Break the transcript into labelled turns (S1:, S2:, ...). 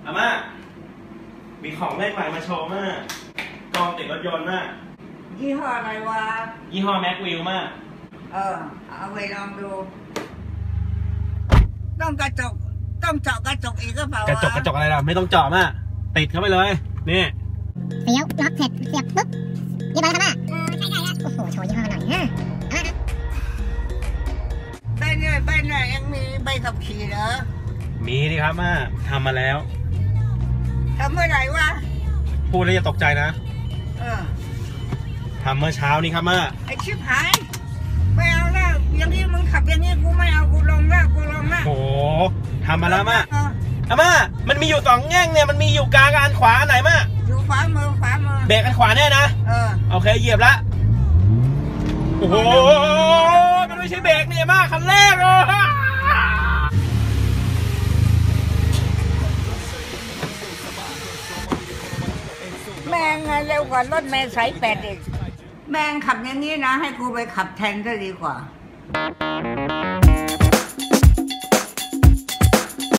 S1: อาม่ามีของเล่นใหม่มาโชว์มากกองติดรถยนต์มาก
S2: ยี่ห้ออะไรวะ
S1: ยี่ห้อแม็กวิลมาก
S2: เอาไปลองดูต้องกระจกต้องเจาะกระจกอีกก็เปล่าก
S1: ระจกอะไรล่ะไม่ต้องเจาะมากติดเข้าไปเลยนี่
S3: เสียวล็อกเสร็จเสียบปุ๊บยี่ห้ออะไรครับใช่แล้วโอ้โหโชว์ยี่ห้อหน่อยนะ
S2: ใบเนี่ยยังมีใบขับขี่เหรอ
S1: มีดิครับม่าทำมาแล้ว
S2: ทำเมื่อไหร่วะ
S1: พูดแล้วอย่าตกใจนะทำเมื่อเช้านี้ครับม่า
S2: ไอชิบหายไม่เอาแล้วอย่างนี้มึงขับอย่างนี้กูไม่เอากูลงแล้ว
S1: โอ้ทำมาแล้วม่าม่ามันมีอยู่2แง่งเนี่ยมันมีอยู่กลางกับอันขวาอันไหนม่า
S2: อยู่ขวามือ
S1: เบรกอันขวาแน่นะโอเคเหยียบละโอ้โหมันไม่ใช่เบรกเนี่ยม่าคันแรก
S2: แม่งเร็วกว่ารถเมล์สาย8อีกแม่งขับอย่างนี้นะให้กูไปขับแทนก็ดีกว่า